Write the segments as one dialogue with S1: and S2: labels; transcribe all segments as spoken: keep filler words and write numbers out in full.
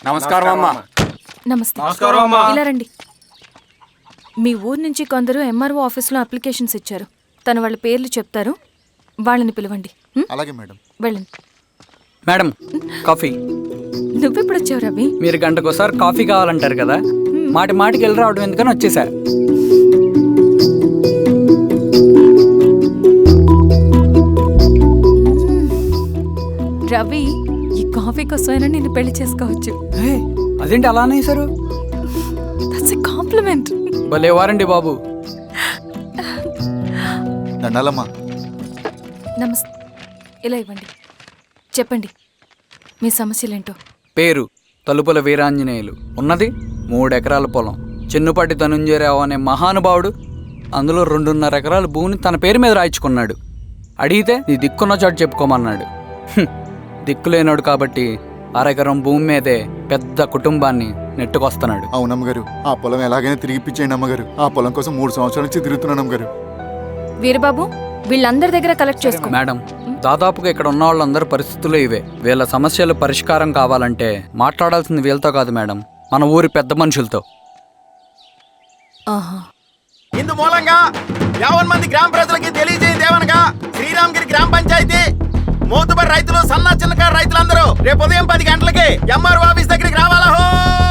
S1: నమస్కారం అమ్మా.
S2: నమస్తే.
S1: నమస్కారం అమ్మా.
S2: ఇలా రండి. మీ ఊరు నుంచి కొందరు ఎంఆర్ఓ ఆఫీస్లో అప్లికేషన్స్ ఇచ్చారు. తన వాళ్ళ పేర్లు చెప్తారు, వాళ్ళని పిలవండి. ఉం?
S3: అలాగే మేడం.
S2: వెళ్ళండి.
S1: Madam coffee.
S2: నువ్వెప్పుడు వచ్చావు రవి?
S1: మీరు గంటకోసారి కాఫీ కావాలంటారు కదా, మాటి మాటికి వెళ్ళి రావడం ఎందుకని వచ్చేసా.
S2: రవి, ఈ కాఫీ కోసమైనా నిన్ను పెళ్లి చేసుకోవచ్చు.
S1: హే, అదేంటి అలా అనేసారు?
S2: That's a compliment.
S1: భలే వారండి బాబు.
S3: దండాలమ్మా.
S2: నమస్తే. ఇలా ఇవ్వండి. చెప్పండి మీ సమస్యలేంటో.
S1: పేరు తలుపుల వీరాంజనేయులు. ఉన్నది మూడెకరాల పొలం. చిన్నుపాటి ధనుంజయరావు అనే మహానుభావుడు అందులో రెండున్నర ఎకరాల భూమిని తన పేరు మీద రాయించుకున్నాడు. అడిగితే నీ దిక్కున్న చోటు చెప్పుకోమన్నాడు. హ్మ్. దిక్కులేనాడు కాబట్టి అరెకరం భూమి మీదే పెద్ద కుటుంబాన్ని నెట్టుకొస్తున్నాడు.
S3: అవునమ్మగారు, ఆ పొలం ఎలాగైనా తిరిగిపించేయండి అమ్మగారు. ఆ పొలం కోసం మూడు సంవత్సరాల నుంచి తిరుగుతున్నాను అమ్మగారు.
S2: వీరబాబు, వీళ్ళందరి దగ్గర కలెక్ట్ చేసుకో.
S1: మేడం, దాదాపుగా ఇక్కడ ఉన్న వాళ్ళందరి పరిస్థితులు ఇవే. వీళ్ళ సమస్యలు పరిష్కారం కావాలంటే మాట్లాడాల్సింది వీళ్ళతో కాదు మేడం, మన ఊరి పెద్ద మనుషులతో.
S2: ఆహా.
S4: ఇందు మూలంగా యావన్ మంది గ్రామ ప్రజలకి తెలియజేయదేవనగా శ్రీరామగిరి గ్రామ పంచాయతీ మోతుబరి రైతులు, సన్న చిన్నకారు రైతులందరూ రేపు ఉదయం పది గంటలకి ఎంఆర్ఓ ఆఫీస్ దగ్గరికి రావాలా. హో!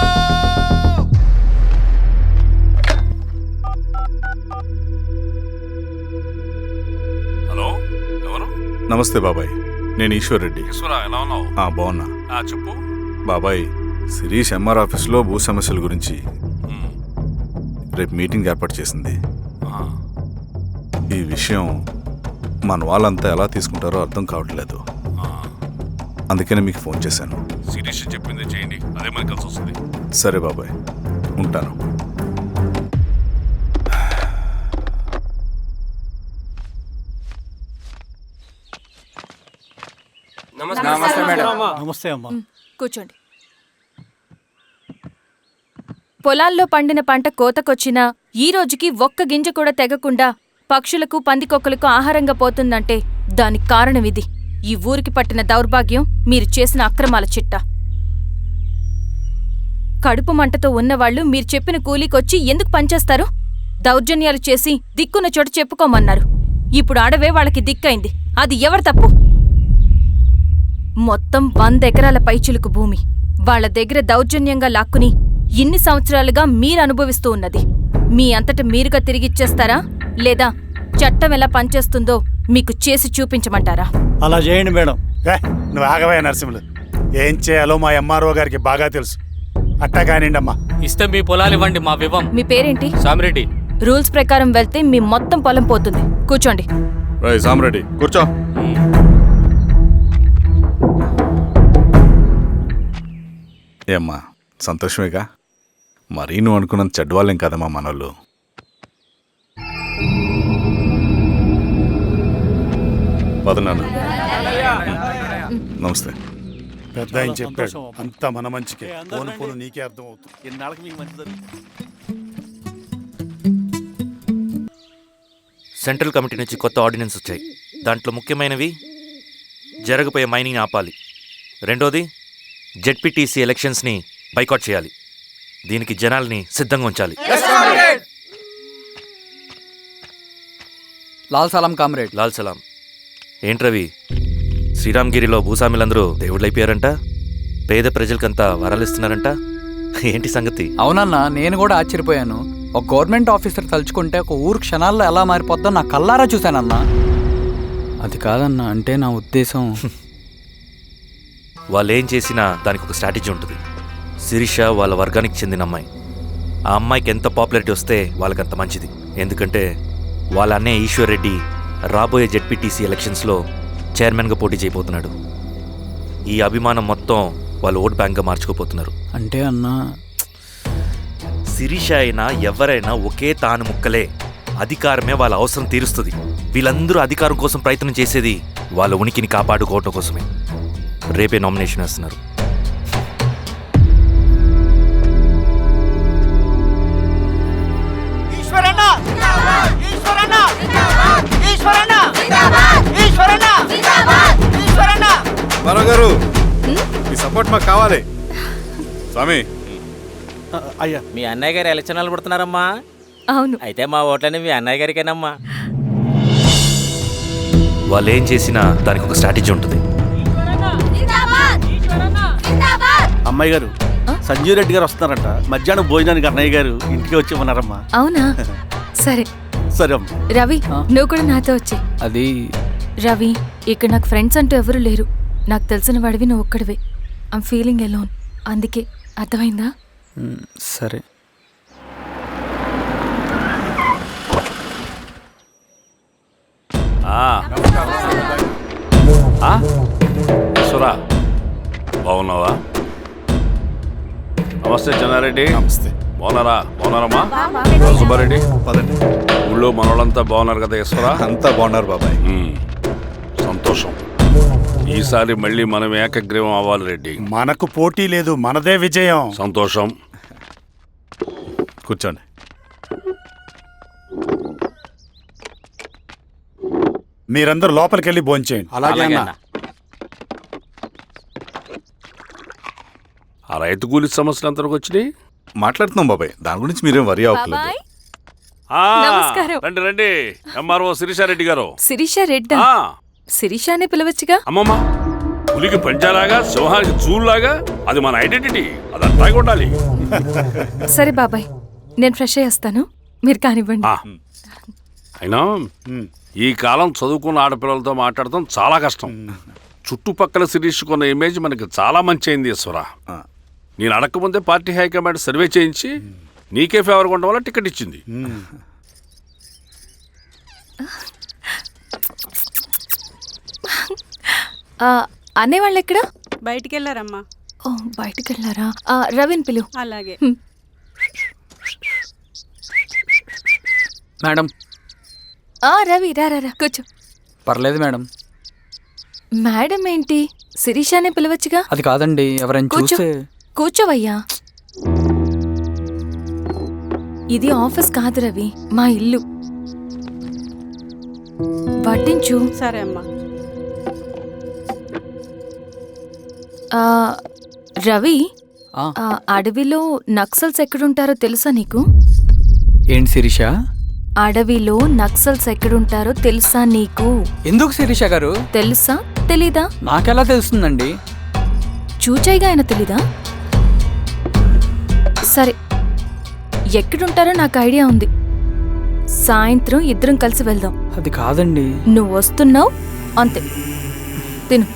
S5: హలో, ఎవరు?
S6: నమస్తే బాబాయ్, నేను ఈశ్వర్ రెడ్డి.
S5: ఈశ్వరా, ఎలా ఉన్నావు?
S6: ఆ, బాగున్నా.
S5: ఆ, చెప్పు.
S6: బాబాయ్, శిరీష్ ఎంఆర్ ఆఫీస్లో భూ సమస్యల గురించి
S5: మ్,
S6: రేపు మీటింగ్ ఏర్పాటు చేసింది.
S5: ఆ,
S6: ఈ విషయం మన వాళ్ళంతా ఎలా తీసుకుంటారో అర్థం కావట్లేదు.
S5: ఆ.
S6: అందుకనే మీకు ఫోన్ చేశాను.
S5: శిరీష్ చెప్పింది చేయండి, అదే మనకి కలిసి వస్తుంది.
S6: సరే బాబాయ్, ఉంటాను.
S1: నమస్తే మేడం.
S7: నమస్తే అమ్మా.
S2: కూర్చోండి. పొలాల్లో పండిన పంట కోతకొచ్చినా ఈ రోజుకి ఒక్క గింజ కూడా తెగకుండా పక్షులకు, పందికొక్కలకు ఆహారంగా పోతుందంటే దానికి కారణం ఇది. ఈ ఊరికి పట్టిన దౌర్భాగ్యం మీరు చేసిన అక్రమాల చిట్టా. కడుపు మంటతో ఉన్నవాళ్లు మీరు చెప్పిన కూలీకొచ్చి ఎందుకు పనిచేస్తారు? దౌర్జన్యాలు చేసి దిక్కున్న చోట చెప్పుకోమన్నారు. ఇప్పుడు అడవే వాళ్ళకి దిక్కైంది. అది ఎవరి తప్పు? మొత్తం వంద ఎకరాల పైచిలుకు భూమి వాళ్ల దగ్గర దౌర్జన్యంగా లాక్కుని ఇన్ని సంవత్సరాలుగా మీరు అనుభవిస్తూ ఉన్నది. మీ అంతట మీరుగా తిరిగిచ్చేస్తారా, లేదా చట్టం ఎలా పనిచేస్తుందో మీకు చేసి చూపించమంటారా?
S7: అలా చేయండి మేడం. ఏ, నువ్వు ఆగవే నరసింహులు. ఏం చేయాలో మా ఎంఆర్ఓ గారికి బాగా తెలుసు. అట్టా కానివ్వండి అమ్మా.
S8: ఇస్తే మీ పొలాలు ఇవ్వండి, మా వివం.
S2: మీ పేరేంటి?
S8: సామిరెడ్డి.
S2: రూల్స్ ప్రకారం వెళ్తే మీ మొత్తం పొలం పోతుంది. కూర్చోండి.
S6: రై సామరెడ్డి, కూర్చో. ఏమ్మా, సంతోషమేగా? మరీ నువ్వు అనుకున్నంత చెడ్డవాళ్ళేం కదమ్మా మనోళ్ళు. పదనాన్న. నమస్తే.
S7: పెద్ద ఆయన చెప్పాడు, అంతా మన మంచికే. పోను పోను నీకే అర్థం అవుతుంది.
S8: ఎన్నాళ్ళకి మీకు మంచిది.
S9: సెంట్రల్ కమిటీ నుంచి కొత్త ఆర్డినెన్స్ వచ్చాయి. దాంట్లో ముఖ్యమైనవి జరగబోయే మైనింగ్ ఆపాలి, రెండోది జెడ్పీటీసీ ఎలక్షన్స్ని బైకాట్ చేయాలి, దీనికి జనాల్ని సిద్ధంగా ఉంచాలి.
S1: లాల్ సలాం కామ్రేడ్.
S9: లాల్ సలాం. ఏంట్రవి, శ్రీరామగిరిలో భూస్వాములందరూ దేవుళ్ళైపోయారంట, పేద ప్రజలకంతా వరాలిస్తున్నారంట, ఏంటి సంగతి?
S1: అవునన్నా, నేను కూడా ఆశ్చర్యపోయాను. ఒక గవర్నమెంట్ ఆఫీసర్ తలుచుకుంటే ఒక ఊరు క్షణాల్లో ఎలా మారిపోద్దో నా కల్లారా చూశానన్నా. అది కాదన్నా, అంటే నా ఉద్దేశం
S9: వాళ్ళు ఏం చేసినా దానికి ఒక స్ట్రాటజీ ఉంటుంది. శిరీష వాళ్ళ వర్గానికి చెందిన అమ్మాయి. ఆ అమ్మాయికి ఎంత పాపులారిటీ వస్తే వాళ్ళకంత మంచిది. ఎందుకంటే వాళ్ళ అన్నయ్య ఈశ్వర్ రెడ్డి రాబోయే జెడ్పీటీసీ ఎలక్షన్స్లో చైర్మన్గా పోటీ చేయబోతున్నాడు. ఈ అభిమానం మొత్తం వాళ్ళు ఓట్ బ్యాంక్గా మార్చుకోపోతున్నారు.
S1: అంటే అన్నా,
S9: శిరీష అయినా ఎవరైనా ఒకే తాను ముక్కలే. అధికారమే వాళ్ళ అవసరం తీరుస్తుంది. వీళ్ళందరూ అధికారం కోసం ప్రయత్నం చేసేది వాళ్ళ ఉనికిని కాపాడుకోవటం కోసమే. రేపే నామినేషన్ వేస్తున్నారు.
S6: గారు, మీ సపోర్ట్ మాకు కావాలి. స్వామి
S7: అయ్యా
S10: మీ అన్నయ్య గారు ఎలక్షన్ నిలబడుతున్నారమ్మా.
S2: అవును.
S10: అయితే మా ఓట్లని మీ అన్నయ్య గారికేనమ్మా.
S9: వాళ్ళు ఏం చేసినా దానికి ఒక స్ట్రాటజీ ఉంటుంది.
S7: అమ్మాయి గారు సంజీవ్ రెడ్డి గారు వస్తున్నారంట. మధ్యాహ్నం భోజనానికి అన్నయ్య గారు ఇంటికి వచ్చి ఉన్నారమ్మా.
S2: అవునా? సరే
S7: సరే అమ్మా.
S2: రవి, నువ్వు కూడా నాతో వచ్చి.
S1: అది
S2: రవి, ఇక్కడ నాకు ఫ్రెండ్స్ అంటూ ఎవరు లేరు. నాకు తెలిసిన వాడివి నువ్వు ఒక్కడివే. I'm feeling alone. అందుకే, అర్థమైందా?
S1: మ్, సరే.
S5: సురా బాగున్నావా? నమస్తే చెన్నారెడ్డి.
S6: నమస్తే.
S5: బాగున్నారా? బాగున్నారమ్మా? సుబ్బారెడ్డి,
S6: పదండి.
S5: ఊళ్ళో మనోళ్ళంతా బాగున్నారు కదా ఈశ్వరా?
S6: అంతా బాగున్నారు బాబాయ్.
S5: మ్, సంతోషం. ఈసారి మళ్ళీ మనం ఏకగ్రీవం అవ్వాలి రెడ్డి.
S7: మనకు పోటీ లేదు, మనదే విజయం.
S5: సంతోషం.
S6: కూర్చోండి.
S7: మీరందరూ లోపలికి వెళ్ళి భోంచేయండి.
S4: అలాగే అన్న.
S5: ఆ రైతు కూలి సమస్యలు ఎంతవరకు వచ్చినాయి?
S6: మాట్లాడుతున్నాం బాబాయ్, దాని గురించి మీరేం వరి అవ్వట్లేదు.
S2: బాబాయ్,
S5: ఆ,
S2: నమస్కారం.
S5: రండి రండి. ఎంఆర్ఓ శిరీషారెడ్డి గారు.
S2: శిరీష రెడ్డా?
S5: ఆ,
S2: శిరీషానే పిలవచ్చుగా.
S5: అమ్మమ్మ, పులికి పంచాలాగా సింహానికి చూలాగా అది మన ఐడెంటిటీ. అది అట్టాగే ఉండాలి.
S2: సరే బాబాయ్, నేను ఫ్రెష్ అయ్యేస్తాను, మీరు కానివ్వండి.
S5: ఆ, అయినా ఈ కాలం చదువుకున్న ఆడపిల్లలతో మాట్లాడటం చాలా కష్టం. చుట్టుపక్కల శిరీష్ కొన్న ఇమేజ్ మనకి చాలా మంచి అయింది ఈశ్వర. నేను అడగకముందే పార్టీ హైకమాండ్ సర్వే చేయించి నీకే ఫేవర్గా ఉండడం వల్ల టికెట్ ఇచ్చింది.
S2: ఆ, అనేవాళ్ళు ఎక్కడ?
S11: బయటికి వెళ్ళారమ్మా.
S2: ఓ, బయటికి వెళ్ళారా? ఆ, రవిని పిలువు.
S11: అలాగే.
S1: మేడం.
S2: ఆ, రవి రా రా రా, కూర్చో.
S1: పర్లేదు మేడం.
S2: మేడం ఏంటి? శిరీషానే పిలవచ్చుగా.
S1: అది కాదండి, ఎవరైనా
S2: కూర్చో.
S1: చూస్తే.
S2: కూర్చోవయ్యా. ఇది ఆఫీస్ కాదు రవి, మా ఇల్లు. వడ్డించు.
S11: సరే అమ్మా.
S2: ఆ, రవి,
S1: ఆ,
S2: ఆ అడవిలో నక్సల్స్ ఎక్కడుంటారో తెలుసా నీకు?
S1: ఏంటి శిరీష?
S2: అడవిలో నక్సల్స్ ఎక్కడుంటారో తెలుసా నీకు?
S1: ఎందుకు శిరీష గారు?
S2: తెలుసా తెలీదా?
S1: నాకెలా తెలుస్తుందండి?
S2: చూచాయిగా ఆయన తెలీదా? సరే, ఎక్కడుంటారో నాకు ఐడియా ఉంది. సాయంత్రం ఇద్దరం కలిసి వెళ్దాం.
S1: అది కాదండి.
S2: నువ్వు వస్తున్నావు అంతే. తిను.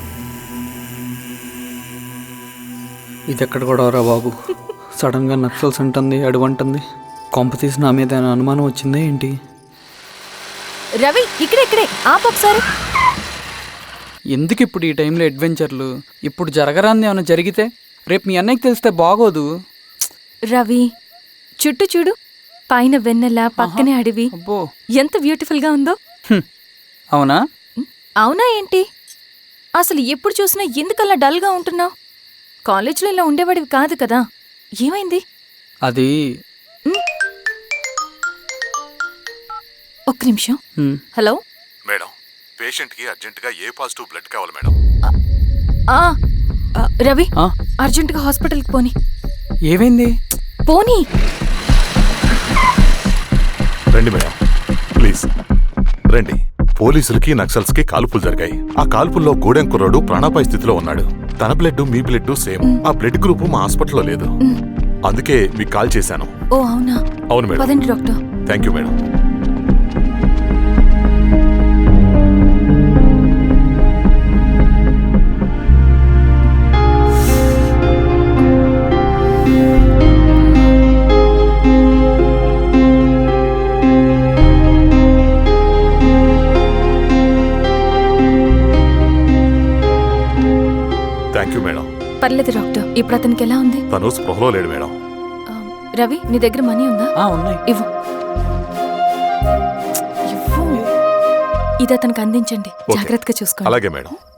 S1: ఇది ఎక్కడ కూడా రా బాబు. సడన్ గా నక్సల్స్ అంటుంది, అడుగుంటుంది. కొంప తీసి నా మీద ఏమైనా అనుమానం వచ్చిందే ఏంటి?
S2: రవి, ఇక్కడే ఇక్కడే ఆపు ఒకసారి.
S1: ఎందుకు ఇప్పుడు ఈ టైంలో అడ్వెంచర్లు? ఇప్పుడు జరగరాంది ఏమైనా జరిగితే రేపు మీ అన్నయ్యకి తెలిస్తే బాగోదు.
S2: రవి, చుట్టూ చూడు. పైన వెన్నెల, పక్కనే అడవి.
S1: అబ్బో,
S2: ఎంత బ్యూటిఫుల్ గా ఉందో.
S1: హ్మ్. అవునా?
S2: అవునా ఏంటి? అసలు ఎప్పుడు చూసినా ఎందుకలా డల్ గా ఉంటున్నావు? కాలేజీలో ఇలా ఉండేవాడివి కాదు కదా, ఏమైంది?
S1: అది
S2: ఒక్క నిమిషం.
S1: హ్మ్.
S2: హలో
S6: మేడం, పేషెంట్కి అర్జెంటుగా ఏ పాజిటివ్ బ్లడ్ కావాలి మేడం.
S2: ఆ, ఆ, రవి,
S1: ఆ?
S2: అర్జెంటుగా హాస్పిటల్కి పోనీ.
S1: ఏమైంది?
S2: పోనీ.
S6: రండి మేడం, ప్లీజ్ రండి. పోలీసులకి నక్సల్స్ కి కాల్పులు జరిగాయి. ఆ కాల్పుల్లో గూడెం కుర్రాడు ప్రాణాపాయ స్థితిలో ఉన్నాడు. తన బ్లడ్ మీ బ్లడ్ సేమ్. ఆ బ్లడ్ గ్రూప్ మా హాస్పిటల్లో లేదు. అందుకే మీకు కాల్ చేశాను.
S2: ఓ అవునా?
S6: అవును మేడం.
S2: పదండి doctor.
S6: Thank you madam. Thank you madam.
S2: పర్లేదు డాక్టర్. ఇప్పుడు అతనికి ఎలా ఉంది?
S6: తను స్పృహలో లేడు మేడం.
S2: ఆ, రవి, నీ దగ్గర మనీ ఉందా?
S1: ఆ, ఉన్నాయి.
S2: ఇవ్వు. ఇవ్వు. ఇది అతనికి అందించండి,
S6: ఓకే.
S2: జాగ్రత్తగా చూసుకోండి.
S6: అలాగే మేడం.